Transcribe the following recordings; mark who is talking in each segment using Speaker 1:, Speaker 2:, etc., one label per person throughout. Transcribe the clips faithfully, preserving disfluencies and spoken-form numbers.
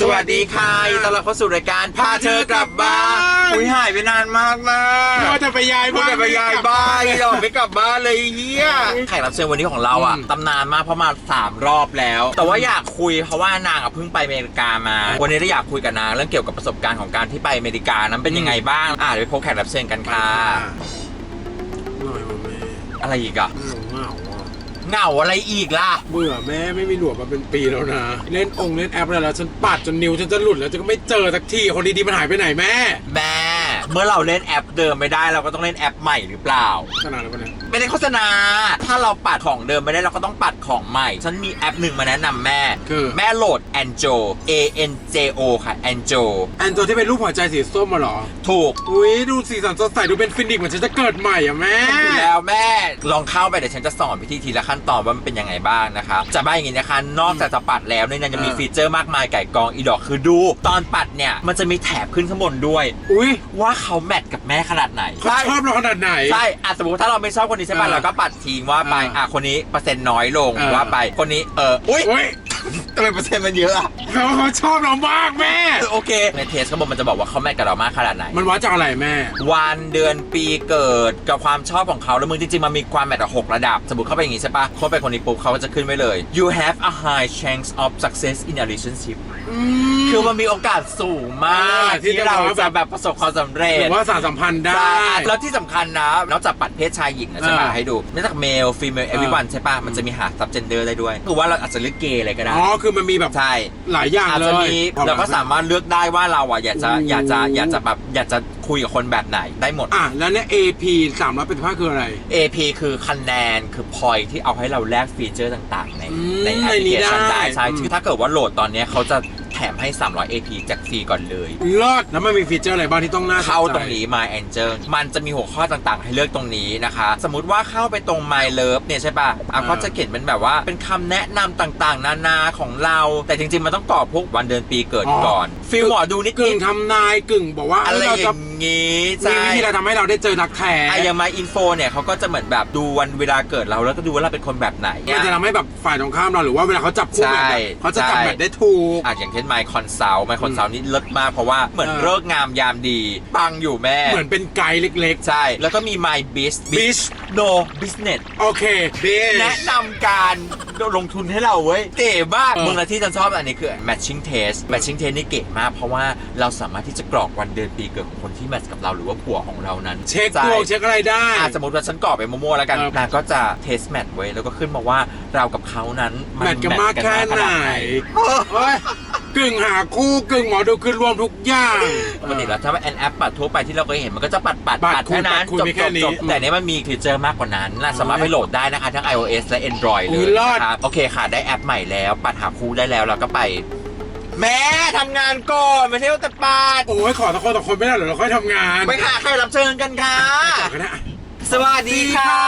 Speaker 1: วัสดีค่ะต้อนรับเข้าสู่รายการพาเธอกลับบ้านอุ้ยหายไปนานมากนะ
Speaker 2: ว่าจะไปย้ายบ้าน
Speaker 1: จะไปย้ายบ้านเราไม่กลับบ้านเลยเฮียแขกรับเชิญวันนี้ของเราอ่ะตำนานมากเพราะมาสามรอบแล้วแต่ว่าอยากคุยเพราะว่านางอ่ะเพิ่งไปอเมริกามาวันนี้ได้อยากคุยกับนางเรื่องเกี่ยวกับประสบการณ์ของการที่ไปอเมริกานั้นเป็นยังไงบ้างอ่ะเดี๋ยวไปพบแขกรับเชิญกันค่ะอะไรอีกอ่ะเหงาอะไรอีกล่ะ
Speaker 2: เบื่อแม่ไม่มีหนวดมาเป็นปีแล้วนะเล่นองค์เล่นแอปอะไรแล้วฉันปัดจนนิ้วฉันจะหลุดแล้วจะก็ไม่เจอสักทีคนดีๆมันหายไปไหนแม่
Speaker 1: แม่เมื่อเราเล่นแอปเดิมไม่ได้เราก็ต้องเล่นแอปใหม่หรือเปล่า
Speaker 2: โฆษณาอะไรปะเนี่ย
Speaker 1: ไม่ได้โฆษณาถ้าเราปัดของเดิมไม่ได้เราก็ต้องปัดของใหม่ฉันมีแอปหนึ่งมาแนะนำแม่
Speaker 2: คือ
Speaker 1: แม่โหลด Anjo A N J O ค่ะ Anjo
Speaker 2: Anjo ที่เป็นรูปหัวใจสีส้มมาหรอ
Speaker 1: ถูก
Speaker 2: อุ้ยดูสีสันสดใสดูเป็นฟินิกเหมือนฉันจะเกิดใหม่อ่ะแม่
Speaker 1: แล้วแม่ลองเข้าไปเดี๋ยวฉันจะสอนวิธีทีละขั้นตอนว่ามันเป็นยังไงบ้างนะครับจะบ้าอย่างงี้นะคะนอกจากจะปัดแล้วเนี่ยยังจะมีฟีเจอร์มากมายไก่กองอีดอกคือดูตอนปัดเนี่ยมันจะมีแถบขึ้นข้างบนด้วย
Speaker 2: อุ้ย
Speaker 1: ว่าเขาแมทกับแม่ขนาดไหน
Speaker 2: เขาชอบเราขนาดไหน
Speaker 1: ใช่อ่ะสมมติถ้าเราไม่ชอบคนนี้ใช่ป่ะเราก็ปัดทิ้งว่าไปอ่ะคนนี้เปอร์เซ็นต์น้อยลงว่าไปคนนี้เอออุ้ยทำไมเปอร์เซ็นต์มันเยอะอะ
Speaker 2: เพราะเขาชอบเรามากแม่
Speaker 1: โอเคในเทสเขาบอกมันจะบอกว่าเขาแมทกับเรามากขนาดไหน
Speaker 2: มันวัดจากอะไรแม่
Speaker 1: วันเดือนปีเกิดกับความชอบของเขาแล้วมึงจริงๆมันมีความแมทหกระดับสมมติเข้าไปอย่างงี้ใช่ป่ะคนไปคนนี้ปุ๊บเขาก็จะขึ้นไว้เลย you have a high chance of success in a relationship คือมันมีโอกาสสูงมากที่เราจะแบบประสบความสำเร็จ
Speaker 2: หรือว่าสารสัมพันธ์ได้
Speaker 1: แล้วที่สำคัญนะนอกจากปัดเพศชายหญิงนะใช่ป่ะให้ดูนอกจาก male female everyone ใช่ป่ะมันจะมีหา subgender ได้ด้วยคือว่าเราอาจจะเลือกเกย์อะไรก็ได้
Speaker 2: อ๋อคือมันมีแบบ
Speaker 1: ใช่
Speaker 2: หลายอย่างเลย
Speaker 1: เราก็สามารถเลือกได้ว่าเราอ่ะอยากจะอยากจะอยากจะแบบอยากจะคุยกับคนแบบไหนได้หมด
Speaker 2: อ่ะแล้วเนี่ย เอ พี สามร้อยแปดสิบห้าคืออะไร
Speaker 1: เอ พี คือคะแนนคือ point ที่เอาให้เราแลกฟีเจอร์ต่างๆในในแอปพลิเคชันได้ใช่คือถ้าเกิดว่าโหลดตอนนี้เขาจะแถมให้สามร้อย เอ พี จากฟรีก่อนเลย
Speaker 2: เลิศแล้วมันมีฟีเจอร์อะไรบ้างที่ต้องน่า
Speaker 1: เข้าตรงนี้ My Angel มันจะมีหัวข้อต่างๆให้เลือกตรงนี้นะคะสมมุติว่าเข้าไปตรง My Love เนี่ยใช่ป่ะอ่ะเขาจะเขียนเป็นแบบว่าเป็นคำแนะนำต่างๆนานาของเราแต่จริงๆมันต้องกรอกพวกวันเดือนปีเกิดก่อนฟีลหมอดูนิด
Speaker 2: กึ่งทำนายกึ่งบอกว่า
Speaker 1: อะไรอย่างงี้
Speaker 2: ใช่วิธีเราทำให้เราได้เจอรักแท้
Speaker 1: ไอ้ยังมาอินโฟเนี่ยเขาก็จะเหมือนแบบดูวันเวลาเกิดเราแล้วก็ดูว่าเราเป็นคนแบบไหน
Speaker 2: มันจะทำให้แบบฝ่ายตรงข้ามเราหรือว่าเวลาเขาจับคู่แบบเขาจะจับแบบได้ถูก
Speaker 1: อ่ะอย่างเช่น My Consult My Consult นี่เลิศมากเพราะว่าเหมือนเลิกงามยามดีปังอยู่แม่
Speaker 2: เหมือนเป็นไกด์เล็ก
Speaker 1: ๆใช่แล้วก็มี My Biz
Speaker 2: Biz
Speaker 1: No Business
Speaker 2: โอเค
Speaker 1: แนะนำการลงทุนให้เราเว้ยเก๋มากมึงละที่ฉันชอบอันนี้คือ Matching Test Matching Test นี่เก๋มากเพราะว่าเราสามารถที่จะกรอกวันเดือนปีเกิดของคนที่แมทช์กับเราหรือว่าผัวของเรานั้น
Speaker 2: เช็คตัวเช็คอะไรได้
Speaker 1: สมมติว่าฉันกรอกไปมั่วๆแล้วกันนางก็จะเทสแมทไว้แล้วก็ขึ้นมาว่าเรากับเขานั้น
Speaker 2: แมทกันมากแค่ไหนกึ่งหาคู่กึ่งหมอดูคือรวมทุกอย่าง
Speaker 1: ปกติแล้วถ้าว่าแอนแอปปัดทั่วไปที่เราเคยเห็นมันก็จะปัดปัดปัดแค่นั้นจบจบแต่นี้มันมีฟีเจอร์มากกว่านั้นสามารถไปโหลดได้นะคะทั้ง iOS และ Android เลยนะครับโอเคค่ะได้แอปใหม่แล้วปัดหาคู่ได้แล้วเราก็ไปแม่ทำงานก่อนไม่ใช่ว่าแต่ปัด
Speaker 2: โอ้ยขอตะโกนตะคนไม่ได้หรอเราค่อยทำงาน
Speaker 1: ไปค่ะใครรับเชิญกันค่ะสวัสดีค่ะ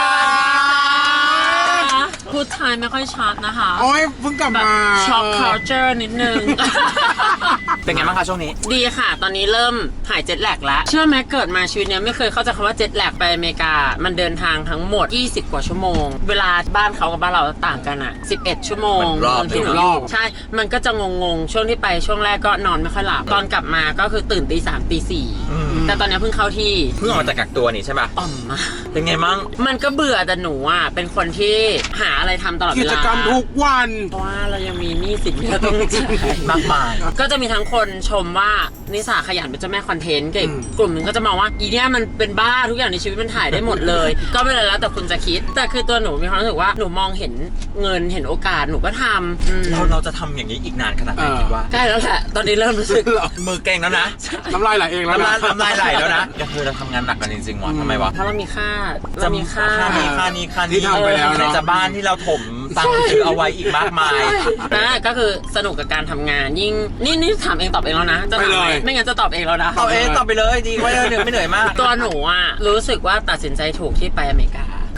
Speaker 3: พูดไทยไม่ค่อยชัดนะคะ
Speaker 2: โอ้ยเพิ่งกลับมา
Speaker 3: ช็อก culture นิดนึง
Speaker 1: เป็นไงบ้างคะช่วงนี้
Speaker 3: ดีค่ะตอนนี้เริ่มหายเจ็ตแลกแล้วเชื่อไหมเกิดมาชีวิตเนี้ยไม่เคยเข้าใจคำว่าเจ็ตแลกไปอเมริกามันเดินทางทั้งหมดยี่สิบกว่าชั่วโมงเวลาบ้านเขากับบ้านเราต่างกันอ่ะสิบเอ็ดชั่วโมง
Speaker 1: ที่
Speaker 3: รอบใช่มันก็จะงงๆช่วงที่ไปช่วงแรกก็นอนไม่ค่อยหลับตอนกลับมาก็คือตื่นตีสามตีสี่แต่ตอนนี้เพิ่งเข้าที่
Speaker 1: เพิ่งออกจากกักตัวนี่ใช่ป่ะ
Speaker 3: อ่อมมา
Speaker 1: เป็นไงมั่ง
Speaker 3: มันก็เบื่อแต่หนูอ่ะเป็นคนที่หาอะไรทำตลอดเวลา
Speaker 2: กิจกรรมทุกวัน
Speaker 3: เพราะว่าเรายังมีหนี้สินที่เราต้องจ่าย
Speaker 1: มากมาย
Speaker 3: ก็จะมีทั้งคนชมว่านิสาขยันเป็นเจ้าแม่คอนเทนต์กับกลุ่มหนึ่งก็จะมองว่าอีเนี่ยมันเป็นบ้าทุกอย่างในชีวิตมันถ่ายได้หมดเลยก็ไม่เป็นไรแล้วแต่คุณจะคิดแต่คือตัวหนูมีความรู้สึกว่าหนูมองเห็นเงินเห็นโอกาสหนูก็ทำ
Speaker 1: เราเราจะทำอย่างนี้อีกนานขนาดไหนคิดว่า
Speaker 3: ใกล้แล้วแหละตอนนี้เริ่มรู้สึก
Speaker 1: มือเก่งแล้วนะ
Speaker 2: น้ำลายไหลเองแล้วนะ
Speaker 1: น้ำลายไหลแล้วนะก็คือเราทำงานหนักกันจริงๆหมอทำไมวะ
Speaker 3: เพราะเรามีค่าเรามีค่า
Speaker 1: นี้ค่านี้ค่านี้
Speaker 2: ที่ทำไปแล้ว
Speaker 1: ในจะบ้านที่เราถมตังค์ซื้อเอาไว้อีกมากมาย
Speaker 3: นะก็คือสนุกกับการทำงานยิ่งนี่นี่ถามเองตอบเองแล้วนะจะถามไหมไม่งั้นจะตอบเองแล้วนะ
Speaker 1: ตอบเองตอบไปเลยดีกว่าเหนื่อยไม่เหนื่อยมาก
Speaker 3: ตัวหนูอ่ะรู้สึกว่าตัดสินใจถูกที่ไปอเมริกา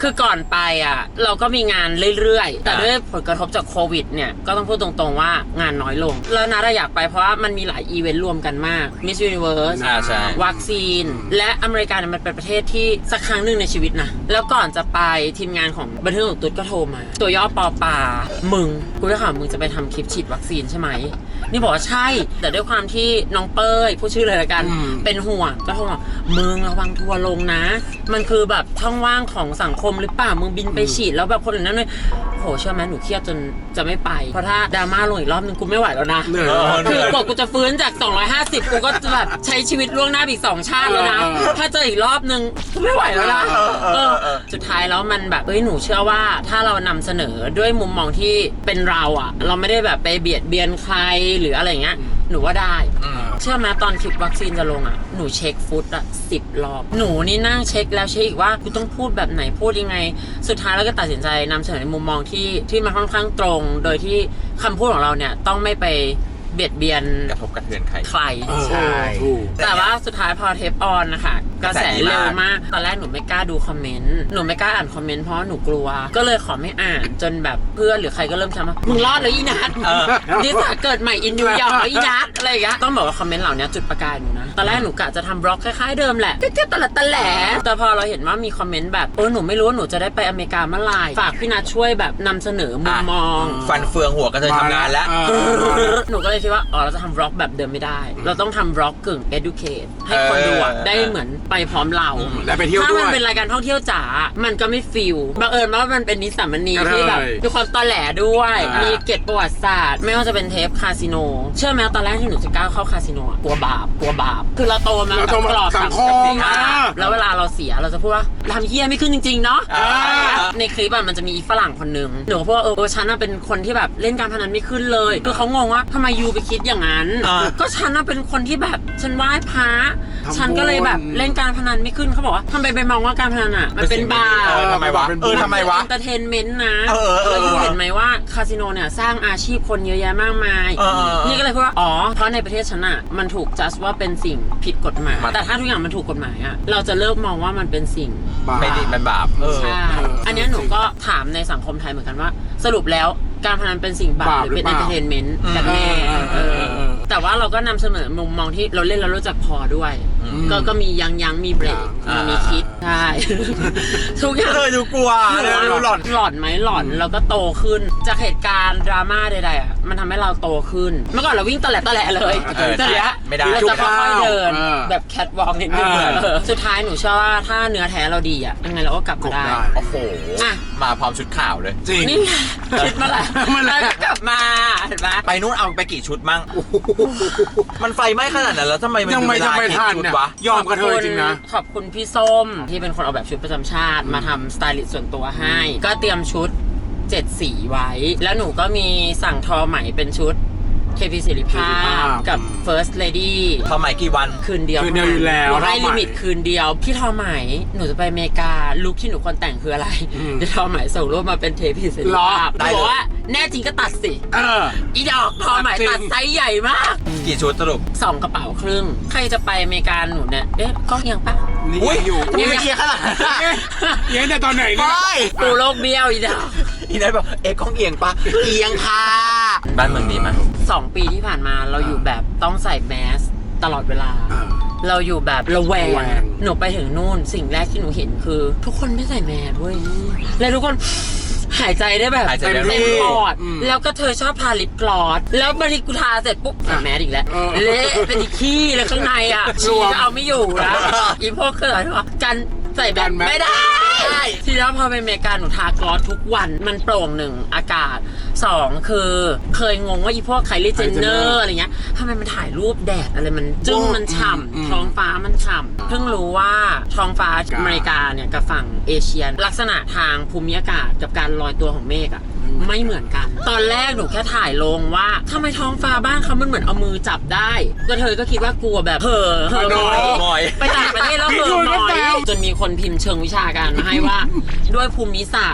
Speaker 3: คือก่อนไปอ่ะเราก็มีงานเรื่อยๆแต่ด้วยผลกระทบจากโควิดเนี่ยก็ต้องพูดตรงๆว่างานน้อยลงแล้วนาอยากไปเพราะว่ามันมีหลายอีเวนต์รวมกันมาก Miss Universe
Speaker 1: อ่าใช่
Speaker 3: วัคซีนและอเมริกาเนี่ยมันเป็นประเทศที่สักครั้งหนึ่งในชีวิตนะแล้วก่อนจะไปทีมงานของบันเทิงของตุ๊ดก็โทรมาตัวย่อปอปามึงกูจะถามมึงจะไปทำคลิปฉีดวัคซีนใช่ไหมนี่บอกว่าใช่แต่ด้วยความที่น้องเป้ยผู้ชื่อเลยละกันเป็นห่วงก็โทรมามึงระวังทัวร์ลงนะมันคือแบบช่องว่างของสังคมหรือเปล่ามึงบินไปฉีดแล้วแบบคนอื่นนั่นเลยโหเชื่อไหมหนูเครียดจนจะไม่ไปเพราะถ้าดราม่าลงอีกรอบนึงกูไม่ไหวแล้วนะคือกว่ากูจะฟื้นจากสองร้อยห้าสิบกูก็จะแบบใช้ชีวิตล่วงหน้าอีกสองชาติแล้วนะถ้าเจออีกรอบนึงกูไม่ไหวแล้วนะเออสุดท้ายแล้วมันแบบเอ้ยหนูเชื่อว่าถ้าเรานำเสนอด้วยมุมมองที่เป็นเราอ่ะเราไม่ได้แบบไปเบียดเบียนใครหรืออะไรเงี้ยหนูว่าได้เชื่อไหมตอนคลิปวัคซีนจะลงอ่ะหนูเช็คฟุตอ่ะสิบรอบหนูนี่นั่งเช็คแล้วเช็คอีกว่ากูต้องพูดแบบไหนพูดยังไงสุดท้ายแล้วก็ตัดสินใจนำเสนอในมุมมองที่ที่มันค่อนข้างตรงโดยที่คำพูดของเราเนี่ยต้องไม่ไปเบียดเบียน
Speaker 1: กระทบกระเทือนใคร
Speaker 3: ใคร
Speaker 2: ใช่ถูก
Speaker 3: แต่ว่าสุดท้ายพอเทปออนนะคะกระแสเร็วมากตอนแรกหนูไม่กล้าดูคอมเมนต์หนูไม่กล้าอ่านคอมเมนต์เพราะหนูกลัวก็เลยขอไม่อ่านจนแบบเพื่อนหรือใครก็เริ่มทำว่ามึงรอดแล้วอีนัทดิสเกิดใหม่อินนิวยอร์กแล้วอีนัทอะไรอย่างเงี้ยต้องบอกว่าคอมเมนต์เหล่านี้จุดประกายหนูนะตอนแรกหนูกะจะทำบล็อกคล้ายๆเดิมแหละเจ๊ๆตะละตะแหลแต่พอเราเห็นว่ามีคอมเมนต์แบบโอ้หนูไม่รู้ว่าหนูจะได้ไปอเมริกาเมื่อไหร่ฝากพี่นัทช่วยแบบนำเสนอมุมมอง
Speaker 1: ฟันเฟืองหัวก็จะทำงานแล้ว
Speaker 3: หนูก็เลยคิดว่าอ๋อเราจะทำบล็อกแบบเดิมไม่ได้เราต้องทำบล็อกกึ่ง educate ให้คนดูได้เหมือนไปพร้อมเรา
Speaker 2: และไปเที่ยวด้วย
Speaker 3: ถ้ามันเป็นรายการท่องเที่ยวจ๋ามันก็ไม่ฟิลบังเอิญว่ามันเป็นนิสสัมมณีที่แบบมีความตอแหลด้วยมีเกร็ดประวัติศาสตร์ไม่ว่าจะเป็นเทปคาสิโนเชื่อไหมตอนแรกที่หนูจะก้าวเข้าคาสิโนกลัวบาปกลัวบาปคือเราโตมากับกรอบสังคมแล้วเวลาเราเสียเราจะพูดว่าทำเฮี้ยไม่ขึ้นจริงๆเนาะในคลิปมันจะมีฝรั่งคนนึงหนูพูดว่าเออฉันเป็นคนที่แบบเล่นการพนันไม่ขึ้นเลยคือเขางงว่าทำไมยูไปคิดอย่างนั้นก็ฉันเป็นคนที่แบบฉันไหว้พระฉันก็เลยแบบเล่นการพนันไม่ขึ้นเขาบอกว่าทำไมไปมองว่าการพนันอ่ะมันเป็นบาป
Speaker 1: ทำไมวะเออทำไมวะ
Speaker 3: เอนเตอร์เทนเมนต์นะ
Speaker 1: เออเออ
Speaker 3: แล้วยูเห็นไหมว่าคาสิโนเนี่ยสร้างอาชีพคนเยอะแยะมากมายนี่ก็เลยพูดว่าอ๋อเพราะในประเทศฉันอ่ะมันถูกจัดว่าเป็นสิ่งผิดกฎหมายแต่ถ้าทุกอย่างมันถูกกฎหมายอ่ะเราจะเลิกมองว่ามันเป็นสิ่ง
Speaker 1: ไม่ดีมันบาป
Speaker 3: ใช่อันนี้หนูก็ถามในสังคมไทยเหมือนกันว่าสรุปแล้วการพนันเป็นสิ่งบาปหรือเป็นเอนเตอร์เทนเมนต์กันแน่แต่ว่าเราก็นำเสนอมุมมองที่เราเล่นแล้วรู้จักพอด้วยก็ก็มียังยังมีเบรกมีคิดใช่ทุกอย่าง
Speaker 1: เลยดูกลัวเลยดูหลอน
Speaker 3: หลอนไหมหลอนเราก็โตขึ้นจากเหตุการณ์ดราม่าใดๆอ่ะมันทำให้เราโตขึ้นเมื่อก่อนเราวิ่งตะแหลตะแหลเลยแต่เนี้ยเราจะค่อยๆเดินแบบแคทวอล์กนิดนึงสุดท้ายหนูเชื่อว่าถ้าเนื้อแท้เราดีอ่ะยังไงเราก็กลับมาได้
Speaker 1: โอ้โหมาพร้อมชุดข่าวเลย
Speaker 2: จริง
Speaker 3: นี่คิดมาแหละแล้วกลับมาเห็นไหม
Speaker 1: ไปนู้นเอาไปกี่ชุดมั่งมันไฟไหม้ขนาดนั้นแล้วทำไมมัน
Speaker 2: ยังไม่จะไม่ทันเนี่ยวอมกระเทยจริงนะ
Speaker 3: ขอบคุณพี่ส้มที่เป็นคนออกแบบชุดประจำชาติมาทำสไตลิสต์ส่วนตัวให้ก็เตรียมชุดเจ็ดสีไว้แล้วหนูก็มีสั่งทอไหมเป็นชุดเคพีศิริภาพกับ First Lady
Speaker 1: ทอไหมกี่วัน
Speaker 3: คืนเดียว
Speaker 2: คืนเดียวอยู่แล้ว
Speaker 3: ให้ลิมิตคืนเดียวพี่ทอไหมหนูจะไปอเมริกาลุคที่หนูควรแต่งคืออะไรจะทอไหมส่งรูปมาเป็นเทพีศิริภาพบอกว่าแน่จริงก็ตัดสิอีดอกทอไหมตัดไซส์ใหญ่มาก
Speaker 1: กี่ชุดสรุป
Speaker 3: สองกระเป๋าครึ่งใครจะไปอเมริกาหนูเนี่ยเอ๊ะก็ยังปะ
Speaker 2: นี่อยู่
Speaker 1: นี่เอียงขนาด
Speaker 2: เอียงแต่ตอนไหนเนี่ย
Speaker 3: ปูโลกเบี้ยวอีดอก
Speaker 1: อีนั่นบอกเอ๊ะก้องเอียงปะเอียงค่ะบ้านเมืองดีมั้ย
Speaker 3: สองปีที่ผ่านมาเราอยู่แบบต้องใส่แมสตลอดเวลาเราอยู่แบบระแวงหนูไปถึงนู่นสิ่งแรกที่หนูเห็นคือทุกคนไม่ใส่แมสเว้ยแล้วทุกคนหายใจได้แบบเต็มปอดแล้วก็เธอชอบทาลิปกลอสแล้วบางทีกูทาเสร็จปุ๊บใส่แมสอีกแล้วเละเป็นอีขี้แล้วข้างในอ่ะชีก็เอาไม่อยู่นะอีพวกเกิดว่ากันใส่แบบไม่ได้ทีนี้พอไปอเมริกาหนูทากลอสทุกวันมันโปร่งหนึ่งอากาศสองคือเคยงงว่าอีพวกไคลี่เจนเนอร์อะไรเงี้ยทำไมมันถ่ายรูปแดดอะไรมันจึ้งมันฉ่ำท้องฟ้ามันฉ่ำเพิ่งรู้ว่าท้องฟ้าอเมริกาเนี่ยกับฝั่งเอเชียลักษณะทางภูมิอากาศกับการลอยตัวของเมฆอะไม่เหมือนกันตอนแรกหนูแค่ถ่ายลงว่าทำไมท้องฟ้าบ้านเขามันเหมือนเอามือจับได้ก็เธอก็คิดว่ากลัวแบบเห่อเห่อหน่อยไปต่างประเทศแล้วเห่อหน่อยจนมีคนพิมพ์เชิงวิชาการมาให้ว่าด้วยภูมิศาสตร์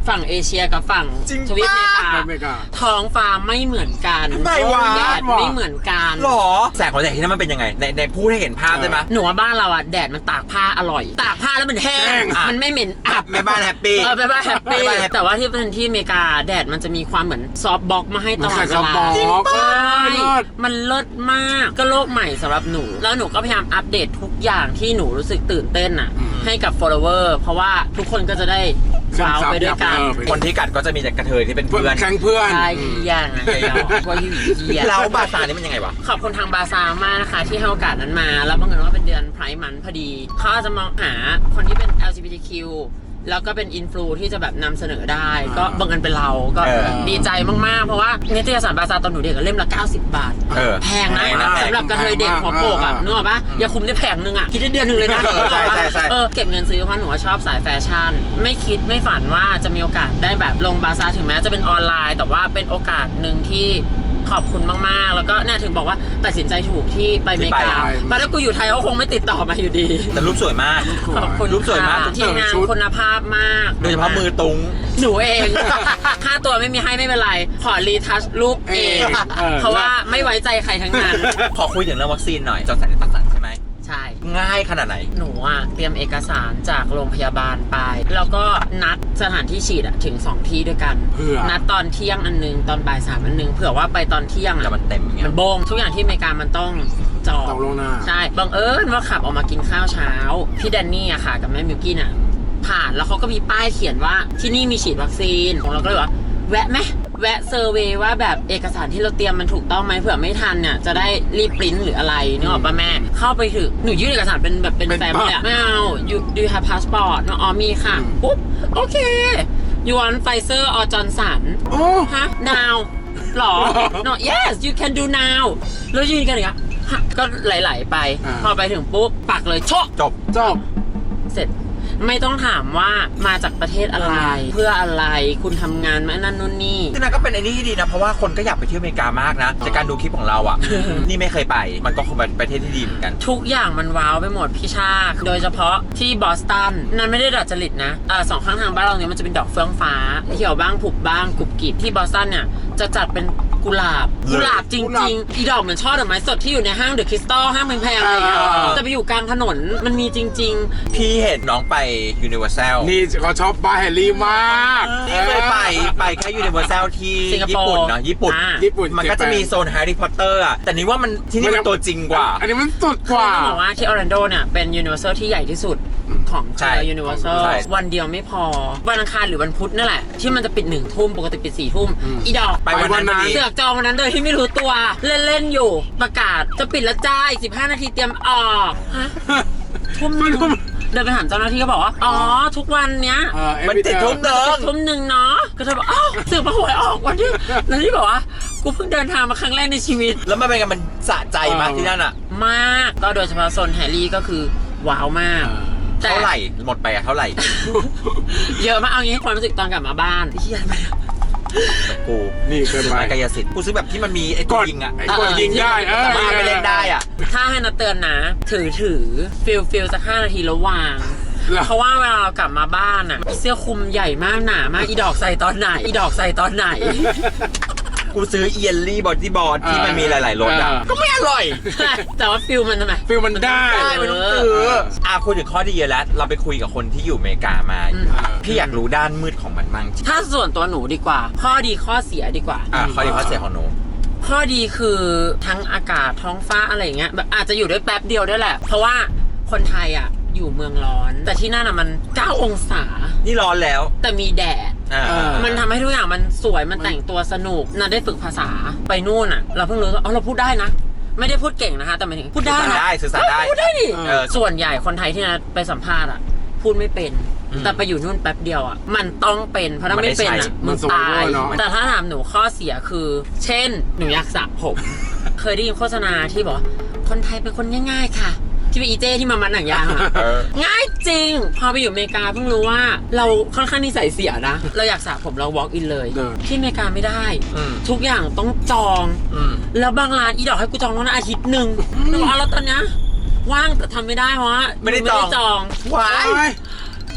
Speaker 3: ฝั่งเอเชียกับฝั่ง
Speaker 1: จริง
Speaker 3: ทวีปอเมริกา
Speaker 2: อเมริกา
Speaker 3: ท้องฟ้าไม่เหมือนกัน
Speaker 1: ทำไมวะ
Speaker 3: แดดไม่เหมือนกัน
Speaker 1: หรอแสงของแดดที่นั่นมันเป็นยังไงในในพูดให้เห็นภาพได้ไหม
Speaker 3: หนูว่าบ้านเราอ่ะแดดมันตากผ้าอร่อย ตากผ้าแล้วมันแห้
Speaker 2: แห้
Speaker 3: ง
Speaker 2: ง
Speaker 3: มันไม่เหม็นอับ
Speaker 1: แม่บ้านแฮปปี้
Speaker 3: เออแม่บ้านแฮปปี้
Speaker 1: แม่บ้านแฮปปี้
Speaker 3: แต่ว่าที่เป็นที่อเมริกาแดดมันจะมีความเหมือนซอฟต์บล็อกมาให้ตลอดเว
Speaker 2: มันใส่ซอฟต์บล็
Speaker 3: ลา
Speaker 2: อก
Speaker 3: จริงปะ
Speaker 2: เออ
Speaker 3: ใช่
Speaker 2: เลิศ
Speaker 3: มันเลิศมากก็โลกใหม่สำหรับหนู แล้วหนูก็พยายามอัปเดตทุกอย่างที่หนูรู้สึกตื่นเต้นอ่ะ
Speaker 2: อืม
Speaker 3: ให้กับ follower เพราะว่าทุกคนก็จะได้ว้าวไปด้วยกัน
Speaker 2: เออไป
Speaker 1: คนที่กัดก็จะมีแต่กระเทยที่เป็น
Speaker 2: เพื่
Speaker 1: เพื่
Speaker 2: อ
Speaker 1: อน น
Speaker 2: แข่งเพื่อน
Speaker 3: ใช่เฮียนะเนาะว่าอยู่เฮีย
Speaker 1: แล้วบาซาร์นี่มันยังไงวะ
Speaker 3: ขอบคุณทางบาซาร์มากนะคะที่ให้โอกาสนั้นมา แล้วบังเอิญว่าเป็นเดือนไพร์มันพอดี เขาอาจจะมองหาคนที่เป็น แอล จี บี ที คิว แล้วก็เป็นอินฟลูที่จะแบบนำเสนอได้ ก็บังเอิญเป็นเราก็
Speaker 1: เออ
Speaker 3: ดีใจมาก ๆ เพราะว่านิตยสารบาซาร์ตอนหนูเด็กอะเล่มละเก้าสิบบาท
Speaker 1: เออ
Speaker 3: แพงนะ
Speaker 1: แพงนะ
Speaker 3: สำหรับกระเทยเด็กหัวโปกอ่ะ
Speaker 2: แพงมาก
Speaker 3: นึกออกปะอย่าคุมได้แผงนึงอ่ะ คิดได้เดือนหนึ่งเลยนะ
Speaker 1: เออใช่ใช่ใช่
Speaker 3: เออเก็บเงินซื้อเพราะหนูว่าชอบสายแฟชั่น ไม่คิดไม่ฝันว่าจะมีโอกาสได้แบบลงบาซาร์ถึงแม้จะเป็นออนไลน์ แต่ว่าเป็นโอกาสหนึ่งที่ขอบคุณมาก ๆ แล้วก็เนี่ยถึงบอกว่าตัดสินใจถูกที่ไปอเมริกา
Speaker 2: ที่ไป
Speaker 3: เพราะถ้ากูอยู่ไทยเขาคงไม่ติดต่อมาอยู่ดี
Speaker 1: แต่รูปสวยมาก
Speaker 3: ขอบคุณ
Speaker 1: รูปสวยมาก
Speaker 3: ค่ะทีมงานคุณภาพมาก
Speaker 1: โดยเฉพาะมือตุง
Speaker 3: หนูเอง ค่าตัวไม่มีให้ไม่เป็นไร ขอรีทัชรูปเอง
Speaker 2: เออ
Speaker 3: เพราะว่าไม่ไว้ใจใครทั้งนั้น
Speaker 1: ขอคุยถึงเรื่องวัคซีนหน่อยจอร์นสันและตัดสันใช่ไหม
Speaker 3: ใช่
Speaker 1: ง่ายขนาดไหน
Speaker 3: หนูอ่ะเตรียมเอกสารจากโรงพยาบาลไป แล้วก็นัดสถานที่ฉีดอะถึงสองที่ด้วยกัน
Speaker 2: เพื่อ
Speaker 3: นัดตอนเที่ยงอันนึง ตอนบ่ายสามอันนึง เผื่อว่าไปตอนเที่ยง
Speaker 1: แต่
Speaker 3: อะ
Speaker 1: มันเต็มอย่างเงี้ย
Speaker 3: มันโบงทุกอย่างที่อเมริกามันต้องจอง
Speaker 2: ต้องล่วงหน้า
Speaker 3: ใช่ บังเอิญว่าขับออกมากินข้าวเช้า พี่แดนนี่อะค่ะกับแม่มิวกี้น่ะ ผ่านแล้วเขาก็มีป้ายเขียนว่าที่นี่มีฉีดวัคซีนของเราก็เลยว่า แวะไหมแวะเซอร์เวย์ว่าแบบเอกสารที่เราเตรียมมันถูกต้องไหมเผื่อไม่ทันเนี่ยจะได้รีบปริ้นหรืออะไรนึกออกป่ะแม่ เข้าไปถึงหนูยื่นเอกสารเป็นแบบเป็น
Speaker 2: เป็น
Speaker 3: แฟ้มเลยอะไม่เอา you do you have passport เนอะอ๋อมีค่ะ
Speaker 2: อืม
Speaker 3: ปุ๊บ โอเค you want Pfizer or Johnson
Speaker 2: โอ้
Speaker 3: ฮะ now หรอ no yes you can do now แล้วยืนกันอย่างเงี้ยฮะก็ไหลๆไป
Speaker 2: อ่า
Speaker 3: พอไปถึงปุ๊บปักเลยโชะ
Speaker 1: จบ
Speaker 2: จบ
Speaker 3: เสร็จไม่ต้องถามว่ามาจากประเทศอะไร เพื่ออะไรคุณทำงานมานั่นนู่นนี่
Speaker 1: ที่นั่นก็เป็นไอ้นี่ที่ดีนะ เพราะว่าคนก็อยากไปเที่ยวอเมริกามากนะจากการดูคลิปของเราอ่ะ นี่ไม่เคยไป มันก็คงเป็นประเทศที่ดีเหมือนกัน
Speaker 3: ทุกอย่างมันว้าวไปหมดพี่ชา โดยเฉพาะที่บอสตันนั่นไม่ได้ดัดจริตนะเอ่อสองข้างทางบ้านเราเนี่ยมันจะเป็นดอกเฟื่องฟ้าเขียวบ้างผุบบ้างกรุบกริบที่บอสตันเนี่ยจะจัดเป็นกุหลาบกุหลาบจ
Speaker 2: กุหลา
Speaker 3: ริง
Speaker 2: บ
Speaker 3: ๆ อีดอกเหมือนช่อดอกไม้สดที่อยู่ในห้างเดอะคริสตัลห้างแพงๆอะไรอย่างเงี้ย
Speaker 2: อ่า
Speaker 3: จะไปอยู่กลางถนนมันมีจริง
Speaker 1: พี่เห็นน้องไปยูนิเวอร์แซล
Speaker 2: นี่เขาชอบป้าแฮร์รี่มาก
Speaker 1: นี่เคยไปไปแค่ยูนิเวอร์แซลที่
Speaker 3: สิงคโป
Speaker 1: ญี่
Speaker 3: ร์
Speaker 1: ปุ่นเนาะญี่ปุ่น
Speaker 3: อ่า
Speaker 2: ญี่ปุ่น
Speaker 1: มันก็จะมีโซนแฮร์รี่พอตเตอร์อ่ะแต่นี่ว่ามันที่นี่มันตัวจริงกว่า
Speaker 2: อันนี้มันสุด
Speaker 3: ๆ
Speaker 2: กว่า
Speaker 3: ต้องบอกว่าที่ออร์แลนโดเนี่ยเป็นยูนิเวอร์แซลที่ใหญ่ที่สุดของ
Speaker 1: ใช่
Speaker 3: ยูนิเวอร์แซล
Speaker 1: ใช่
Speaker 3: วันเดียวไม่พอวันอังคารหรือวันพุธนั่นแหละที่มันจะปิดหนึ่งทุ่มปกติปิดสี่ทุ่ม
Speaker 2: อืม
Speaker 3: อีดอก
Speaker 1: ไปวันนั้นพอดี
Speaker 3: เสือกจองวันนั้นโดยที่ไม่รู้ตัว เล่น ๆ อยู่ประกาศจะปิดแล้วจ้าอีกสิบห้านาทีเตรียมออกฮะทุ่มหนึ่งเดินไปถามเจ้าหน้าที่ก็บอกว่า อ๋อ ทุกวันเนี้ย
Speaker 2: เออ
Speaker 1: มันติดทุ่มหนึ่ง
Speaker 3: ทุ่มหนึ่งเนาะก็เธอบอกอ้าวเสือกมาหวยออกวันที่แล้วที่บอกว่ากูเพิ่งเดินทางมาครั้งแรกในชีวิต
Speaker 1: แล้วมันเป็นไงมันสะใจมากที่นั่นอ่ะ
Speaker 3: มากก็โดยเฉพาะโซนแฮร์รี่ก็คือว้าวมาก แต่
Speaker 1: เท่าไหร่หมดไปอะเท่าไหร่
Speaker 3: เยอะมากเอางี้ความรู้สึกตอนกลับมาบ้านเฮียไป
Speaker 1: กู
Speaker 2: นี่เกิน
Speaker 1: ซื้อ
Speaker 2: ไป
Speaker 1: ไม้กายสิทธิ์กูซื้อแบบที่มันมีไอ้
Speaker 2: ก
Speaker 1: ตัว
Speaker 2: ด
Speaker 1: ยิงอ่ะ
Speaker 2: ไอ้กดยิงได้เออ
Speaker 1: สามารถไปเล่นได้อ่ะ
Speaker 3: ถ้าให้นัดเตือนนะ ถือถือฟิลฟิลสักห้านาทีแล้ววาง เพราะว่าเวลาเรากลับมาบ้านอ่ะเสื้อคลุมใหญ่มากหนามากอีดอกใส่ตอนไหนอีดอกใส่ตอนไหน
Speaker 1: กูซื้อเอียนลี่บอดี้บอร์ดที่มันมีหลายๆรสอ่ะ
Speaker 2: เออ
Speaker 1: ก็ไม่อร่อย
Speaker 3: แต่ว่าฟิลมันทำไม
Speaker 2: ฟิลมันได้
Speaker 1: ได้ไม่ต้องซื้ออ่ะคุยถึงข้อดีเยอะแล้ว เราไปคุยกับคนที่อยู่อเมริกามา
Speaker 3: อืม
Speaker 1: พี่อยากรู้ด้านมืดของมันบ้าง
Speaker 3: ถ้าส่วนตัวหนูดีกว่า ข้อดีข้อเสียดีกว่า
Speaker 1: อ่ะข้อดีข้อเสียของหนู
Speaker 3: ข้อดีคือทั้งอากาศท้องฟ้าอะไรอย่างเงี้ยแบบอาจจะอยู่ได้แป๊บเดียวด้วยแหละ เพราะว่าคนไทยอ่ะอยู่เมืองร้อน แต่ที่นั่นอ่ะมันเก้าองศา
Speaker 1: นี่ร้อนแล้ว
Speaker 3: แต่มีแดด
Speaker 1: อ่า
Speaker 2: เออ
Speaker 3: มันทำให้ทุกอย่างมันสวยมันแต่งตัวสนุกนันได้ฝึกภาษาไปนู่นอ่ะ เราเพิ่งรู้ว่าอ๋อเราพูดได้นะ ไม่ได้พูดเก่งนะคะแต่หมายถึงพูดได้นะ
Speaker 1: ได้สื่อสารได้
Speaker 3: เออพูดได้ดิ
Speaker 1: เออ
Speaker 3: ส่วนใหญ่คนไทยที่นัดไปสัมภาษณ์อ่ะพูดไม่เป็น
Speaker 1: อืม
Speaker 3: แต่ไปอยู่นู่นแป๊บเดียวอ่ะมันต้องเป็นเพราะถ้าไม่เป็น
Speaker 1: มันได้
Speaker 3: อ่ะ
Speaker 1: ใช้
Speaker 3: มึงตาย
Speaker 2: มันสมมุติว่าเนอะ
Speaker 3: แต่ถ้าถามหนูข้อเสียคือ เช่น หนูอยากสระผม เคยได้ยินโฆษณาที่บอกว่าคนไทยเป็นคนง่ายๆค่ะ ที่เป็นอีเจ้ที่มามันหนังยางอะ
Speaker 1: เออ
Speaker 3: ง่ายจริง พอไปอยู่อเมริกาเพิ่งรู้ว่าเราค่อนข้างนิสัยเสียนะ เราอยากสระผมเรา walk in เลย
Speaker 2: เออ
Speaker 3: ที่อเมริกาไม่ได้
Speaker 1: อืม
Speaker 3: ทุกอย่างต้องจอง
Speaker 1: อืม
Speaker 3: แล้วบางร้านอีดอกให้กูจองล่วงหน้าอาทิตย์หนึ่งแล้วบอกเอาแล้วตอนเนี้ยว่างแต่ทำไม่ได้เพราะว่า
Speaker 1: ไม่ได้จอง
Speaker 3: จอง
Speaker 1: ว้าย
Speaker 3: ท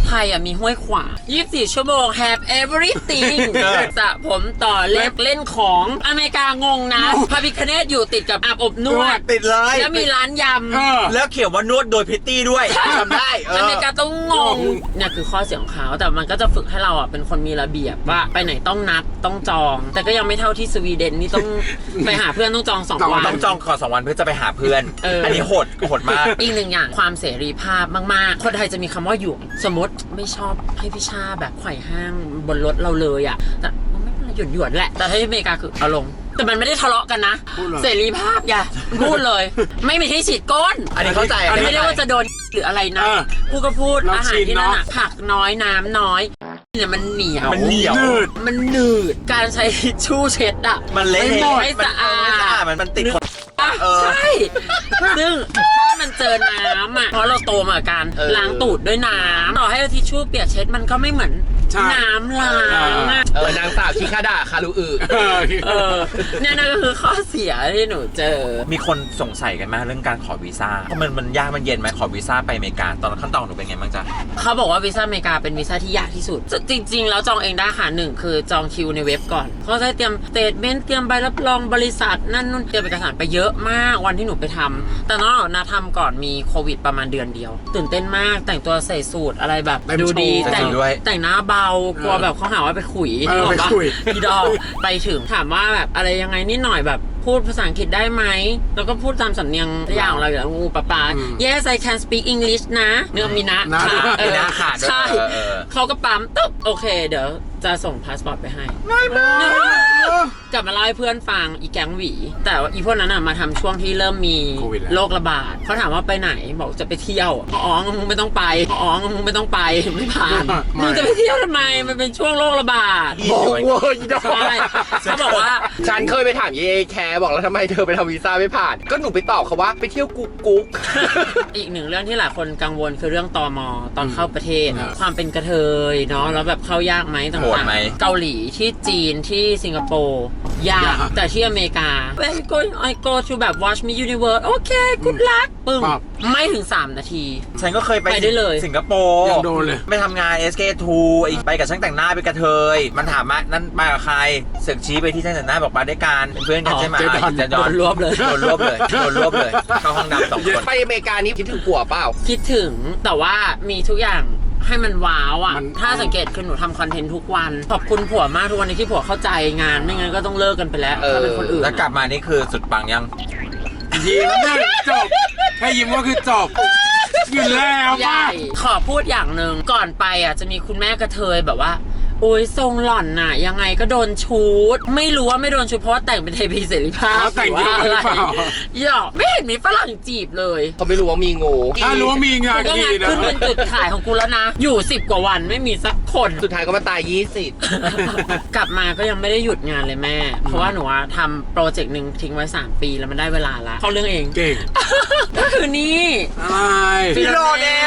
Speaker 3: ไทยอ่ะมีห้วยขวางยี่สิบสี่ชั่วโมง have everything สระผมต่อเล็บเล่นของอเมริกางงนะพระพิคเนตอยู่ติดกับอาบอบนวด
Speaker 1: ติดเลย
Speaker 3: แล้วมีร้านยำ
Speaker 1: แล้วเขียนว่านวดโดยพิตตี้ด้วยทำได้เอ
Speaker 3: อ
Speaker 1: อ
Speaker 3: เมริกาต้องงงเนี่ยคือข้อเสียของเขาแต่มันก็จะฝึกให้เราอ่ะเป็นคนมีระเบียบว่าไปไหนต้องนัดต้องจอง แต่ก็ยังไม่เท่าที่สวีเดนนี่ต้อง ไปหาเพื่อนต้องจองสองวัน
Speaker 1: ต้องจองก่อนสองวันเพื่อจะไปหาเพื่อน
Speaker 3: เอออั
Speaker 1: อันนี้โหดโหดมาก
Speaker 3: อีกหนึ่งอย่างความเสรีภาพมากๆคนไทยจะมีคำว่าหยวงสมมติไม่ชอบให้พี่ชาแบบไขว่ห้างบนรถเราเลยอ่ะแต่มันไม่เป็นไรหยวนหยวนๆแหละแต่ที่อเมริกาคือเอาลงแต่มันไม่ได้ทะเลาะกันนะเสรีภาพอย่าพูดเลย ไม่มีที่ฉีดก้น
Speaker 1: อันนี้เข้าใจ
Speaker 3: ไม่ได้ว่าจะโดนหรืออะไรนะ
Speaker 2: เออ
Speaker 3: พูดก็พูด
Speaker 2: เรา
Speaker 3: อาหาร
Speaker 2: ชิน
Speaker 3: ที่นั่น
Speaker 2: เน
Speaker 3: อะ
Speaker 2: อะ
Speaker 3: ผักน้อยน้ำน้อยเนี่ยมันเหนียว
Speaker 1: มันเหนียว
Speaker 2: นืด
Speaker 3: มันหนืดการใช้ทิชชู่เช็ดอะ
Speaker 1: มันเละ
Speaker 3: ไม่
Speaker 1: เทะ
Speaker 3: ไม่สะอาด
Speaker 1: มันมันติดคน เออ
Speaker 3: ใช่ ซึ่งถ้ามันเจอน้ำอ่ะ เพราะเราโตมากับการ
Speaker 1: เออ
Speaker 3: ล้างตูดด้วยน้ำต่อให้เอาทิชชู่เปียกเช็ดมันก็ไม่เหมือน
Speaker 2: ใช่
Speaker 3: น้ำล้างอะ
Speaker 4: เออนางสาวชิคาดาคารุอึ
Speaker 2: เออ
Speaker 3: เออเนี่ยนั่นก็คือข้อเสียที่หนูเจอ
Speaker 1: มีคนสงสัยกันมากเรื่องการขอวีซ่าเพราะมันมันยากมันเย็นไหมขอวีซ่าไปอเมริกาตอนขั้นตอนหนูเป็นไงบ้างจ๊ะ
Speaker 3: เขาบอกว่าวีซ่าอเมริกาเป็นวีซ่าที่ยากที่สุด จริงๆ แล้วจองเองได้ค่ะหนึ่งคือจองคิวในเว็บก่อนเขาจะเตรียมสเตทเมนต์เตรียมใบรับรองบริษัทนั่นนู่นเตรียมเอกสารไปเยอะมากวันที่หนูไปทำแต่น้องนาทำก่อนมีโควิดประมาณเดือนเดียว ตื่นเต้นมากแต่งตัวใส่สูทอะไรแบบ
Speaker 2: เต็ม
Speaker 3: ดูดี
Speaker 2: โชว์
Speaker 3: แต่ง
Speaker 1: ด้วย
Speaker 3: แต่งหน้าเบากลัวแบบเขาหาว่าไปขุย
Speaker 2: เออ
Speaker 3: นึกกปะ
Speaker 2: ไปขุย
Speaker 3: พี่ดอกไปถึงถามว่าแบบอะไรยังไงนิดหน่อยแบบพูดภาษาอังกฤษได้ไหมแล้วก็พูดตามสำเนียงอย่างของเราอยู่แล้วงูปะปา
Speaker 2: อืม
Speaker 3: yes I can speak English นะเนื้อมีนะ
Speaker 2: นะ
Speaker 3: ค่ะเอ
Speaker 1: มี
Speaker 3: อ
Speaker 1: นะขาดด้วย
Speaker 3: ใช่
Speaker 1: เออเออ
Speaker 3: เขาก็ปั๊มตึ๊บโอเค เดี๋ยวจะส่งพาสปอร์ตไปให้กลับมาเล่าให้เพื่อนฟังอีแก๊งหวี แต่ว่าอีพวกนั้นอ่ะมาทำช่วงที่เริ่มมี
Speaker 2: โควิดแล้ว
Speaker 3: โรคระบาดเขาถามว่าไปไหนบอกจะไปเที่ยวอ๋อมึงไม่ต้องไปอ๋อมึงไม่ต้องไปไม่ผ่านมึงจะไปเที่ยวทำไมมันเป็นช่วงโรคระบาด
Speaker 4: บอกเว่าอีดอก
Speaker 3: ใช่เขาบอกว่า
Speaker 4: ฉันเคยไปถามเยแคร์บอกแล้วทำไมเธอไปทำวีซ่าไม่ผ่าน ก็หนูไปตอบเขาว่าไปเที่ยวกุ๊กกุ๊ก
Speaker 3: อีกหนึ่งเรื่องที่หลายคนกังวลคือเรื่องตมตอนเข้าประเทศ
Speaker 2: อืม
Speaker 3: ความเป็นกระเทยเนาะแล้วแบบเข้ายากไหมต่า
Speaker 1: โหด
Speaker 3: ง
Speaker 1: ไหม
Speaker 3: ๆเกาหลีที่จีนที่สิงคโปร์ยาก
Speaker 2: ยาก
Speaker 3: แต่ที่อเมริกา I go I go to แบบ watch me universe โอเค good luck ปึ้ง
Speaker 2: ปั๊บ
Speaker 3: ไม่ถึงสามนาที
Speaker 1: ฉันก็เคยไป
Speaker 3: ไปได้เลย
Speaker 1: สิงคโปร์
Speaker 2: ยังโดนเลย
Speaker 1: ไปทำงาน เอส เค ทู อีกไปกับช่างแต่งหน้าไปกระเทย มันถามว่านั่นมากับใครเสือกชี้ไปที่ช่างแต่งหน้าบอกมาด้วยกันเป็นเพื่อนกันใช่ไหม
Speaker 2: อ๋อเจ๊ดอน
Speaker 1: เจ๊ดอน
Speaker 3: โดนรวบเลย
Speaker 1: โดนรวบเลยโดนรวบเลยเข้าห้องดำสองคน
Speaker 4: ไปอเมริกานี่คิดถึงผัวเปล่า
Speaker 3: คิดถึงแต่ว่ามีทุกอย่างให้มันว้าวอ่ะ
Speaker 2: มัน
Speaker 3: ถ้าสังเกตคือหนูทำคอนเทนต์ทุกวัน ขอบคุณผัวมากทุกวันนี้ที่ผัวเข้าใจงาน ไม่งั้นก็ต้องเลิกกันไปแล้ว
Speaker 4: เออ
Speaker 3: ถ้าเป็นคนอื่น
Speaker 1: แล้วกลับมานี่คือสุดปังยัง
Speaker 2: ยิ้มนั่นจบแค่ยิ้มก็คือจบอยู่แล้ว
Speaker 3: ให
Speaker 2: มา
Speaker 3: ญ่
Speaker 2: ก
Speaker 3: ขอพูดอย่างหนึ่งก่อนไปอ่ะจะมีคุณแม่กระเทยแบบว่าโอ้ยทรงหล่อนน่ะ ยังไงก็โดนชูดไม่รู้ว่าไม่โดนชูดเพราะว่าแต่งเป็นเทพีเสรีภาพ
Speaker 2: เขาแต่งเยอะหรือเปล่า
Speaker 3: หยอกไม่เห็นมีฝรั่งจีบเลย
Speaker 4: เขาไม่รู้ว่ามีงู
Speaker 2: ถ้ารู้ว่ามีงาน
Speaker 3: กูก็
Speaker 2: ดี
Speaker 3: งาน
Speaker 2: นะ
Speaker 3: ขึ้นเป็นจุดขายของกูแล้วนะ อยู่สิบกว่าวันไม่มีสักคน
Speaker 4: สุดท้ายก็มาตายยี่สิบ
Speaker 3: กลับมาก็ยังไม่ได้หยุดงานเลยแม่ เพราะว่าหนูอะทำโปรเจกต์หนึ่งทิ้งไว้สามปีแล้วมันได้เวลาละเข้าเรื่องเอง
Speaker 2: เก่ง
Speaker 3: ก็คือนี่
Speaker 2: อะไร
Speaker 3: ฟิโล
Speaker 1: เน่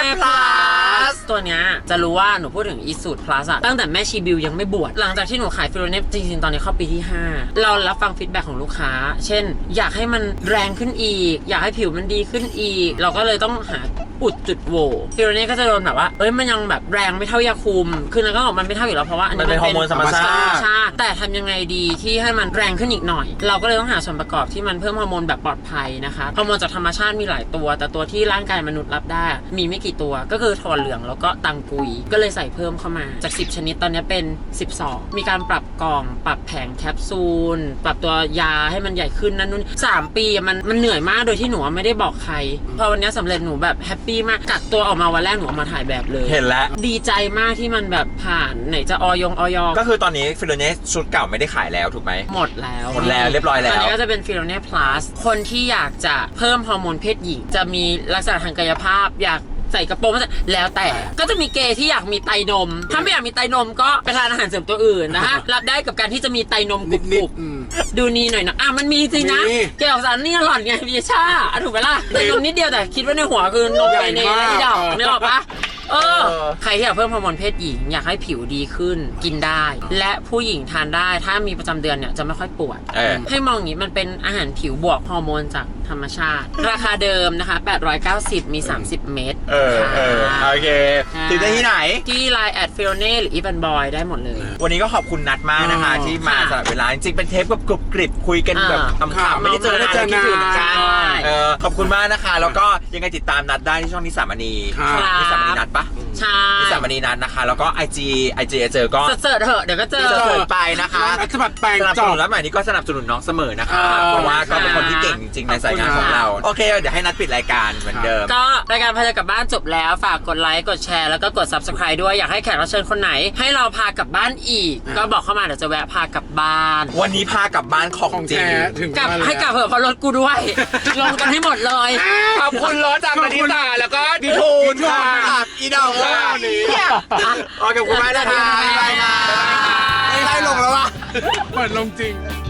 Speaker 1: Plus
Speaker 3: ตัวเนี้ยจะรู้ว่าหนูพูดถึงอีสูตร plus อะตั้งแต่แม่ชีบิวยังไม่บวชหลังจากที่หนูขายฟิโลเน่จริงๆตอนนี้เข้าปีที่ห้าเรารับฟังฟีดแบ็กของลูกค้า เช่น อยากให้มันแรงขึ้นอีก อยากให้ผิวมันดีขึ้นอีก เราก็เลยต้องหาอุดจุดโหว่ฟิโลเน่ก็จะโดนแบบว่าเอ้ยมันยังแบบแรงไม่เท่ายาคุมคือมันก็บอกมันไม่เท่าอยู่แล้วเพราะว่าอัน
Speaker 1: มัน
Speaker 3: นี้
Speaker 1: เป็นฮอร์โมนธรรมชาติ
Speaker 3: ธรรมชาติแต่ทำยังไงดีที่ให้มันแรงขึ้นอีกหน่อย เราก็เลยต้องหาส่วนประกอบที่มันเพิ่มฮอร์โมนแบบปลอดภัยนะคะฮอร์โมนจากธรรมชาติมีหลายตัว แต่ตัวที่ร่างกายมนุษย์รับได้มีไม่กี่ตัวก็คือถั่วเหลืองแล้วก็ตังกุยก็เลยใส่เพิ่มเข้ามาจากสิบชนิดตอนนี้เป็นสิบสองมีการปรับกล่องปรับแผงแคปซูลปรับตัวยาให้มันใหญ่ขึ้นนั่นนู่นสามปีมันมันเหนื่อยมากโดยที่หนูไม่ได้บอกใครพอวันนี้สำเร็จหนูแบบแฮปปี้มากกักตัวออกมาวันแรกหนูออกมาถ่ายแบบเลย
Speaker 1: เห็นแล้ว
Speaker 3: ดีใจมากที่มันแบบผ่านไหนจะออยงออย
Speaker 1: ก็คือตอนนี้ฟิโลเน่ชุดเก่าไม่ได้ขายแล้วถูกไหม
Speaker 3: หมดแล้ว
Speaker 1: หมดแล้วเรียบร้อยแล้ว
Speaker 3: ตอนนี้ก็จะเป็นฟิโลเน่ plus คนที่อยากจะเพิ่มฮอร์โมนเพศหญิงจะมีลักษณะทางกายภาพอยากใส่กระโปรงแล้วแต่ก็จะมีเกย์ที่อยากมีไตนม ถ้าไม่อยากมีไตนมก็ไปทานอาหารเสริมตัวอื่นนะฮะ รับได้กับการที่จะมีไตนมก
Speaker 2: นิด
Speaker 3: รุบ
Speaker 2: ๆอืม
Speaker 3: ๆดูนี่หน่อยนะอ่ะมันมีจริงนะ
Speaker 2: มี
Speaker 3: เกย์ออกสารนี่หล่อนไงพี่ชาอ่ะถูกไหมล่ะไตนมนิดเดียวแต่คิดว่าในหัวคือนมไตเนย
Speaker 2: ใหญ่มาก
Speaker 3: ที่ดอกนึกออกปะเออ ใครที่อยากเพิ่มฮอร์โมนเพศหญิงอยากให้ผิวดีขึ้นกินได้ และผู้หญิงทานได้ถ้ามีประจำเดือนเนี่ยจะไม่ค่อยปวด
Speaker 1: เออ
Speaker 3: ให้มองอย่างนี้มันเป็นอาหารผิวบวกฮอร์โมนจากธรรมชาติ ราคาเดิมนะคะแปดร้อยเก้าสิบมีสามสิบเม็ด
Speaker 1: เออเออโอเคติดได้ที่ไหน
Speaker 3: ที่ไลน์แอดฟิโอเน่หรืออีบันบอยได้หมดเลย
Speaker 1: วันนี้ก็ขอบคุณนัดมากนะคะ
Speaker 2: อ๋อ
Speaker 1: ที่มา
Speaker 3: ค่ะ
Speaker 1: สลับเวลาจริงๆเป็นเทปแบบกรุบกริบคุยกันแบบ
Speaker 3: อ่า
Speaker 1: ขำๆไม่ได้เจอ
Speaker 2: ไม่ได้เจอ
Speaker 1: คิดถึงเหมือนกัน
Speaker 3: ใช่
Speaker 1: เออขอบคุณมากนะคะ แล้วก็ยังไงติดตามนัดได้ที่ช่องนิสามณี
Speaker 2: ครับ
Speaker 1: นิสามณีนัดปะ
Speaker 3: ใช่
Speaker 1: นิสามณีนัดนะคะ แล้วก็ ไอ จี ไอ จี เจอก็
Speaker 3: เสิร์ชเถอะเดี๋ยวก็เจอ
Speaker 1: จะเสิร์ชไปนะคะ
Speaker 2: รัฐบัตรแปลง
Speaker 1: สนับ
Speaker 2: จ
Speaker 1: ส
Speaker 2: อ
Speaker 1: นุ
Speaker 2: บ
Speaker 1: นแล้วใหม่นี้ก็สนับสนุนน้องเสมอนะคะ
Speaker 2: เออ
Speaker 1: เพราะว่าก็เป็นคนที่เก่งจริงๆในสายงานของเรา โอเค เดี๋ยวให้นัดปิดรายการเหมือนเดิม
Speaker 3: ก็รายการพาเธอกลับบ้านจบแล้วฝากกดไลค์กดแชร์แล้วก็กด ซับสไครบ์ ด้วยอยากให้แขกรับเชิญคนไหน ให้เราพากลับบ้านอีก
Speaker 2: อ่า
Speaker 3: ก็บอกเข้ามาเดี๋ยวจะแวะพากลับบ้าน
Speaker 1: วันนี้พากลับบ้านของ
Speaker 2: ของ
Speaker 1: จริง
Speaker 2: แท้ถึง
Speaker 3: กลับ
Speaker 2: บ้านแล้ว
Speaker 3: ให้กลับเถอะเพราะรถกูด้วย ลงกันให้หมดเลย
Speaker 4: ขอบคุณรถจาก
Speaker 2: ข
Speaker 4: ม
Speaker 2: อบคุ
Speaker 4: ณิ
Speaker 2: ณ
Speaker 4: ตาแล้วก็ดิ
Speaker 2: ดิทู
Speaker 4: ทู
Speaker 2: น
Speaker 4: นค่ะ
Speaker 2: ค่ะ
Speaker 1: อีดอกว่า
Speaker 2: วันนี้
Speaker 1: โอเคขอบคุณมากนะคะบ๊ายบายค่ะ
Speaker 4: ไม่ได้ลงแล้วว่ะ
Speaker 2: เปิดลงจริง